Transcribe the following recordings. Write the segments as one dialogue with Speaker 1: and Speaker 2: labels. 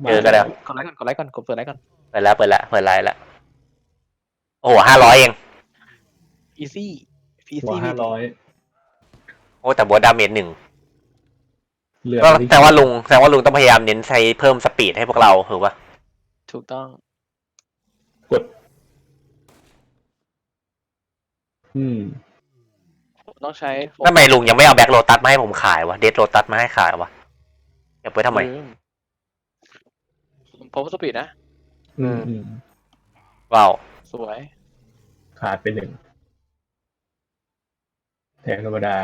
Speaker 1: เจอก็ได้
Speaker 2: กดไลค์ก่อนกดไลค์ก่อนกดเปิดไลค์ก่อน
Speaker 1: เปิดไลน์แล้วโอ้โห500เอง
Speaker 2: easy
Speaker 3: หัว
Speaker 2: easy
Speaker 3: 500
Speaker 1: โอ้แต่บวกดาเมจ1
Speaker 3: เหลือ
Speaker 1: ก็แสดงว่าลุงต้องพยายามเน้นใช้เพิ่มสปีดให้พวกเราถูกปะ
Speaker 2: ถูกต้อง
Speaker 3: กด
Speaker 2: ต้องใช้
Speaker 1: ทำไมลุงยังไม่เอาแบ็คโรตัสมาให้ผมขายวะเดดโรตัสมาให้ขายวะเก็บไว้ทำไม
Speaker 2: ผมสปีดนะ
Speaker 1: ว้าว
Speaker 2: สวย
Speaker 3: ขาดไป1แทงธรรมดา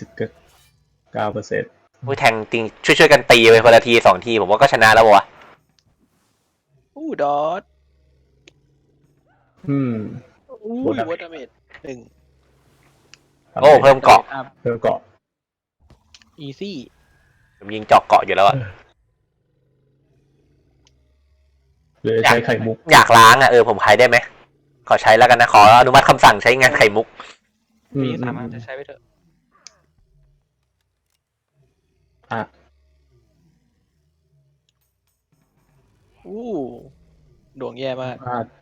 Speaker 3: 89%
Speaker 1: อุ้ยแทงติงช่วยกันตีไปคนละที2ทีผมว่าก็ชนะแล้ววะ
Speaker 2: ดอทวอตดาเมจ1
Speaker 1: โอ้เพิ่มเกาะ
Speaker 2: easy
Speaker 1: ผมยิงเจาะเกาะอยู่แล้วอะ
Speaker 3: เลยใช้ไข่มุก
Speaker 1: อยากล้างอะผมใช้ได้ไหมขอใช้แล้วกันนะขออนุมัติคำสั่งใช้งานไข่มุก
Speaker 2: มีสามารถจะใช้ไปเถอะดวงแย่มาก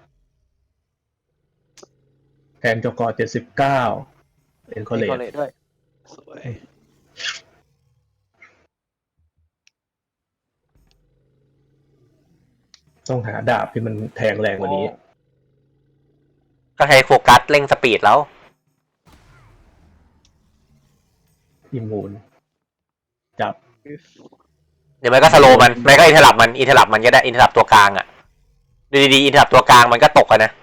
Speaker 3: แทนจก79เป็นคอเลต
Speaker 2: ด้วยสวย
Speaker 3: ต้องหาดาบที่มันแทงแรงกว่านี้
Speaker 1: ก็ใช้โฟกัสเร่งสปีดแล้ว
Speaker 3: อิมมูนจับ
Speaker 1: เดี๋ยวมันก็สโลมันไม่ก็อินเทอร์ลับมันก็ได้อินเทอร์ลับตัวกลางอ่ะดูดีๆอินเทอร์ลับตัวกลางมันก็ตกนะ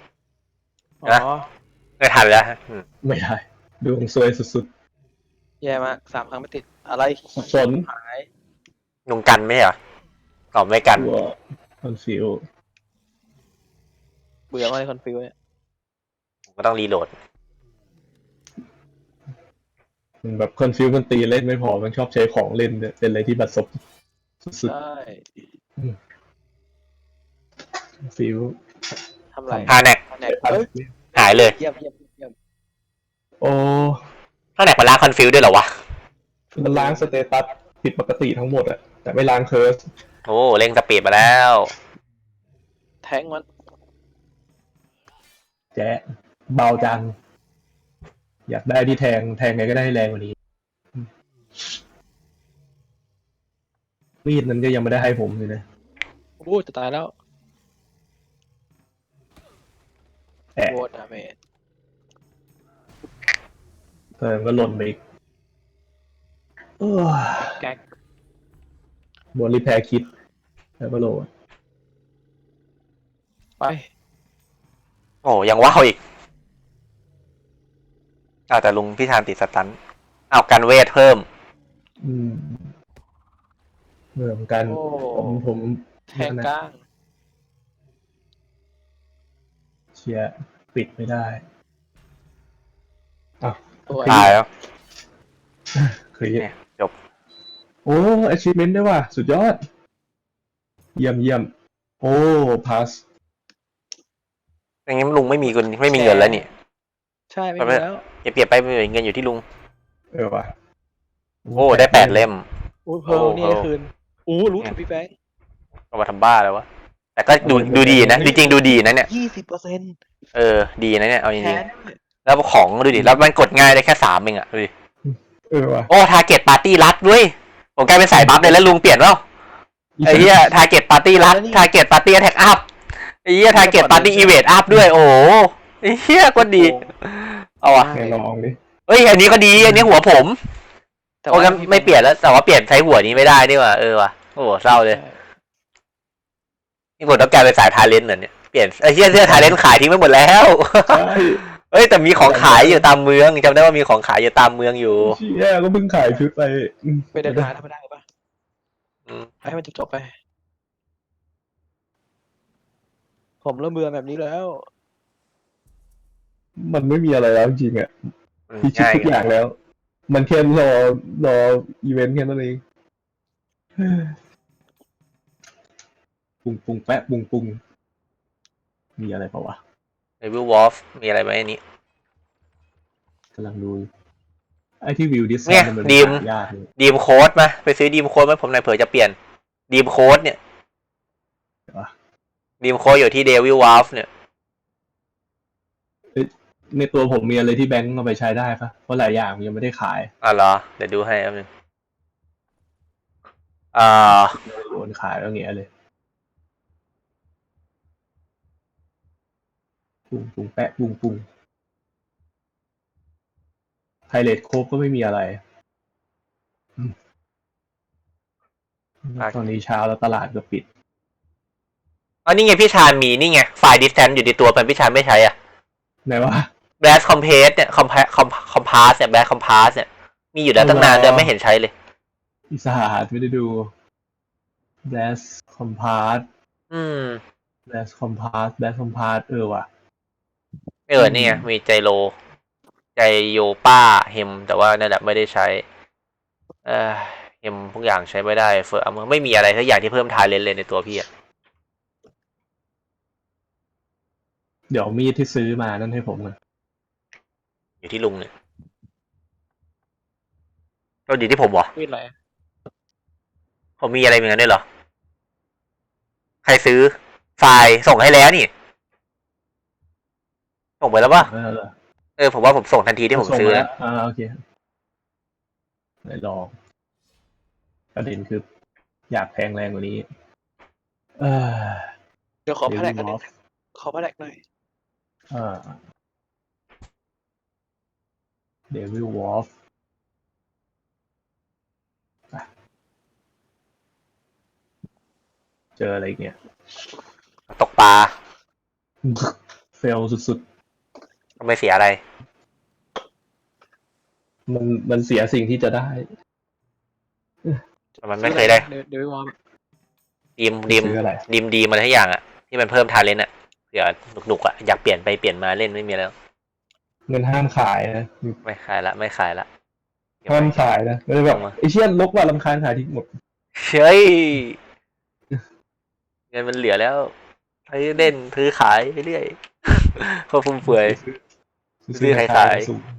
Speaker 1: ไม่ทันแล้ว
Speaker 3: ไม่ได้ดวงซวยสุด
Speaker 2: ๆแย่มาก3 ครั้งไม่ติดอะไร
Speaker 3: สน
Speaker 2: หาย
Speaker 1: ลุงกันไม่เหรอตอบไม่กัน
Speaker 3: คอนฟิว
Speaker 2: เบื่อมากเลยคอนฟิวเนี่ย
Speaker 1: ก็ต้องรีโหลด
Speaker 3: มันแบบคอนฟิวมันตีเล่นไม่พอมันชอบใช้ของเล่นเป็นอะไรที่บัดซบสุด
Speaker 2: ใช่
Speaker 3: ฟิว
Speaker 2: ทำไร
Speaker 1: ฮาแนกหายเลย
Speaker 2: เยี่ยม
Speaker 3: โอ้
Speaker 1: ฮาแนกมันล้างคอนฟิวด้วยเหรอวะ
Speaker 3: มันล้างสเตตัสผิดปกติทั้งหมดอะแต่ไม่ล้างเคิร์ส
Speaker 1: โอ้เร่งสปีดมาแล้ว
Speaker 2: แทงมัน
Speaker 3: แจ๊เบาจังอยากได้ที่แทงไงก็ได้แรงกว่านี้มีดนั้นก็ยังไม่ได้ให้ผมเลยนะ
Speaker 2: จะตายแล้วโวตดาเมจ
Speaker 3: ก็หล่นไปอีก
Speaker 2: แก๊ก
Speaker 3: บนรีแพร์คิดแล้วก็โหลด
Speaker 2: ไป
Speaker 1: โอ้ยังว้าวอีกแต่ลุงพี่ธานติดสตันเอากันเวทเพิ่ม
Speaker 3: เหมือนกันผม
Speaker 2: แทงกลาง
Speaker 3: เชียร์ปิดไม่ได้
Speaker 1: ตายแล้ว
Speaker 3: เคย
Speaker 1: จบ
Speaker 3: โอ้ achievement ด้วยว่ะสุดยอดเยี่ยมโอ้พาส
Speaker 1: อย่างนี้ลุงไม่มีเงินแล้วนี่
Speaker 2: ใช่ไม่มีแล้ว
Speaker 1: อย่าเปรียบไปเงินอยู่ที่ลุง
Speaker 3: ว่ะ
Speaker 1: โอ้ได้8 เล่ม
Speaker 2: เพิ่มนี่คืนรู้ถึงพี่แบงค์
Speaker 1: ก็มาทำบ้าแล้ววะแต่ก็ดูดีนะจริงๆดูดีนะเนี่ย
Speaker 2: 20%
Speaker 1: ดีนะเนี่ยเอาจริงๆแล้วของดูดิแล้วมันกดง่ายได้แค่3เองอ่ะดูดิ
Speaker 3: ว่ะ
Speaker 1: โอ้ทาร์เก็ตปาร์ตี้รัดด้วยผมกลายเป็นสายบัฟเลยแล้วลุงเปลี่ยนแล้วไอ้เหี้ยทาร์เก็ตปาร์ตี้รัดทาร์เก็ตปาร์ตี้แท็กอัพไอ้เหี้ยทาร์เก็ตปาร์ตี้อีเวนต์อัพด้วยโอ้ไอ้เหี้ยก็ดีเอาอ่ะ
Speaker 3: ลองดิ
Speaker 1: อันนี้ก็ดีอันนี้หัวผมโอ้ก็ไม่เปลี่ยนแล้วแต่ว่าเปลี่ยนใช้หัวนี้ไม่ได้นี่ว่ะว่ะโอ้เศร้าเลยนี่ผมต้องกลายเป็นสายทาเลนต์เหรอเนี่ยเปลี่ยนไอ้เหี้ยเสื้อทาเลนต์ขายทิ้งไปหมดแล้วแต่มีของขายอยู่ตามเมืองจำได้ว่ามีของขายอยู่ตามเมืองอยู่
Speaker 3: ก็เพิ่งขายชุด
Speaker 2: ไปเดินทางธรรมดาป่ะให้มันจบไปผมเริ่มเบื่อแบบนี้แล้ว
Speaker 3: มันไม่มีอะไรแล้วจริงอ่ะพิชิตทุกอย่างแล้วมันแค่รออีเวนต์แค่นั้นเองปุงแปะปุงมีอะไรเปล่าวะ
Speaker 1: ในวิววอฟมีอะไรไหมอันนี้
Speaker 3: กำลังดูไอ้ที่วิวดิส
Speaker 1: เนี่ยดีมโค้ดมาไปซื้อดีมโค้ดมาผมหน่อยเผื่อจะเปลี่ยนดีมโค้ดเนี่ยดีมโคอยู่ที่เดวิลวาฟเนี่ย
Speaker 3: ในตัวผมมีอะไรที่แบงก์เอาไปใช้ได้ปะเพราะหลายอย่างยังไม่ได้ขาย
Speaker 1: เหรอ เดี๋ยวดูให้แป๊บนึงอ่า
Speaker 3: โอนขายแล้วเงี้ยเลยปุงแปะปุงไพเรตโคบก็ไม่มีอะไรตอนนี้เช้าแล้วตลาดก็ปิด
Speaker 1: นี่ไงพี่ชาญมีนี่ไงไฟล์ดิสแทนอยู่ในตัวมันพี่ชาญไม่ใช้อ่ะ
Speaker 3: ไหนวะ
Speaker 1: แบสคอมเพสเนี่ยคอมพาสเนี่ยแบสคอมพาสเนี่ยมีอยู่แล้วตั้งนานแต่ไม่เห็นใช้เลย
Speaker 3: อีสานไม่ได้ดู Blast Compass
Speaker 1: Blast
Speaker 3: Compass ว่ะ
Speaker 1: นี่ไงมีใจโยป้าเฮมแต่ว่านั่นแหละไม่ได้ใช้เฮมทุกอย่างใช้ไม่ได้เฟอร์ไม่มีอะไรสักอย่างที่เพิ่มทายเลนเลยในตัวพี่อะ
Speaker 3: เดี๋ยวมีดที่ซื้อมานั่นให้ผมกัน
Speaker 1: อยู่ที่ลุงเนี่ยก็อยู่ที่ผมเหรอ
Speaker 2: มีดอะไร
Speaker 1: ผมมีอะไรเหมือนกันด้วยเหรอใครซื้อไฟล์ส่งให้แล้วนี่ส่งไปแล้วป่ะผมว่าผมส่งทันทีที่ผมซื้อ
Speaker 3: แล้วโอเคไหนลองประเด็นคืออยากแพงแรงกว่านี้
Speaker 2: เดี๋ยวขอแพลกกันหน่อยขอแพลกหน่อย
Speaker 3: Devil Wolf เจออะไรอีกเนี่ย
Speaker 1: ตกปลา
Speaker 3: เฟลสุด
Speaker 1: ไม่เสียอะไร
Speaker 3: ๆมันเสียสิ่งที่จะได้
Speaker 1: มันไม่เคยได้
Speaker 2: เดี๋ยววอร์ม
Speaker 1: ดีม
Speaker 3: ซื้ออะไร
Speaker 1: ดีมาทุกอย่างอะที่มันเพิ่มทาเลนต์อะเผื่อหนุกๆอะอยากเปลี่ยนไปเปลี่ยนมาเล่นไม่มีแล้ว
Speaker 3: เงินห้ามขายนะ
Speaker 1: ไม่ขายละ
Speaker 3: ห้ามขายนะไม่ได้แบบไอเชี่ยลกว่ารำคาญขายทิ้งหมด
Speaker 1: เฮ้ยเงินมันเหลือแล้วซื้อเล่นซื้อขายไปเรื่อยพอฟุ่มเฟือย ซื้อขาย
Speaker 3: สูง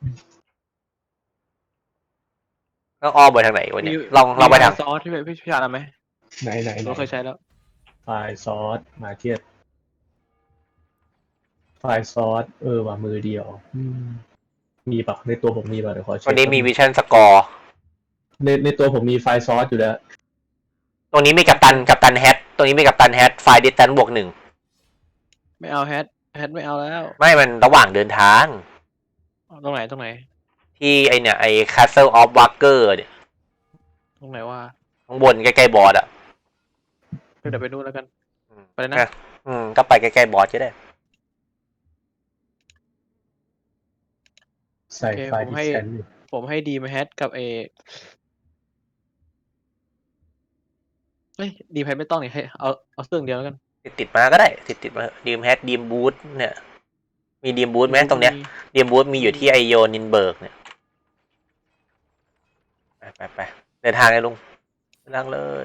Speaker 1: ต้องอ้อมไปทางไหนวะเนี่ยลองไปทาง
Speaker 2: ซอสที่พี่ชาญไหม
Speaker 3: ไหน
Speaker 2: เราเคยใช้แล้ว
Speaker 3: ไฟล์ซอสมาเก็ตไฟล์ซอสว่ะมือเดียวมีปะในตัวผมมีปะเดี๋ยวขอเช็ค
Speaker 1: วันนี้มีวิชั่นสกอร์
Speaker 3: ในตัวผมมีไฟล์ซอสอยู่แล้ว
Speaker 1: ตรงนี้มีกัปตันแฮทตรงนี้มีกัปตันแฮทไฟล์ดิสแทนบวก1
Speaker 2: ไม่เอาแฮทไม่เอาแล้ว
Speaker 1: ไม่มันระหว่างเดินทาง
Speaker 2: ตรงไหน
Speaker 1: ที่ไอเนี่ยไอ Castle of Walker เนี่ย
Speaker 2: ตรงไหนว่า
Speaker 1: ข้างบนใกล้ๆบอสอ่ะ
Speaker 2: เดี๋ยวไปนู่นแล้วกันไปเลยนะ
Speaker 1: ก็ไปใกล้ๆบอสก็ได้
Speaker 3: ใส่ไฟล์ดิสแทนอยู่
Speaker 2: ผมให้ดีมแฮทกับดีมแฮทไม่ต้องนี่ให้เอาเครื่องเดียวแล้วกัน
Speaker 1: ติดมาก็ได้ติดมาดีมแฮทดีมบูธเนี่ยมีดีมบูธไหมตรงเนี้ยดีมบูธมีอยู่ที่ไอโยนินเบิร์กเนี่ยไปเดินทางเลยลุงเดินทางเลย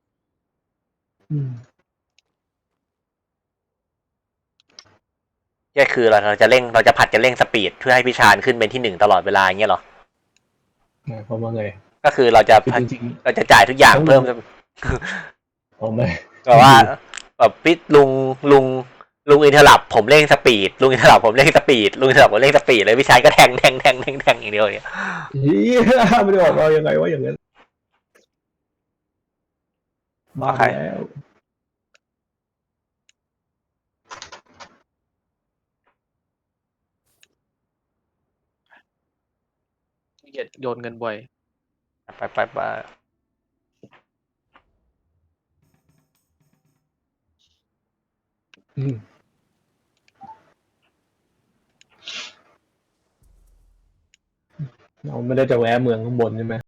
Speaker 1: แค่คือเราจะผัดกันเร่งสปีดเพื่อให้พี่ชาญขึ้นเป็นที่1ตลอดเวลาอย่างเงี้ยหรอ
Speaker 3: เพราะว่าไง
Speaker 1: ก็คือเราจะจ่ายทุกอย่างเพิ่ม
Speaker 3: ไม่
Speaker 1: แบบว่าแบบพี่ลุงอินเทอร์ลับผมเร่งสปีดลุงอินเทอร์ลับผมเร่งสปีดลุงอินเทอร์ลับผมเร่งสปีดเลยพี่ชายก็แทงอย่างเดียวเนี่ย
Speaker 3: ไม่ได้ออกมายังไงวะอย่างนั้นมาแล้ว
Speaker 2: เกียดโยนเงินบ่อย
Speaker 1: ไป
Speaker 3: เราไม่ได้จะแวะเมืองข้างบนใช่ไหม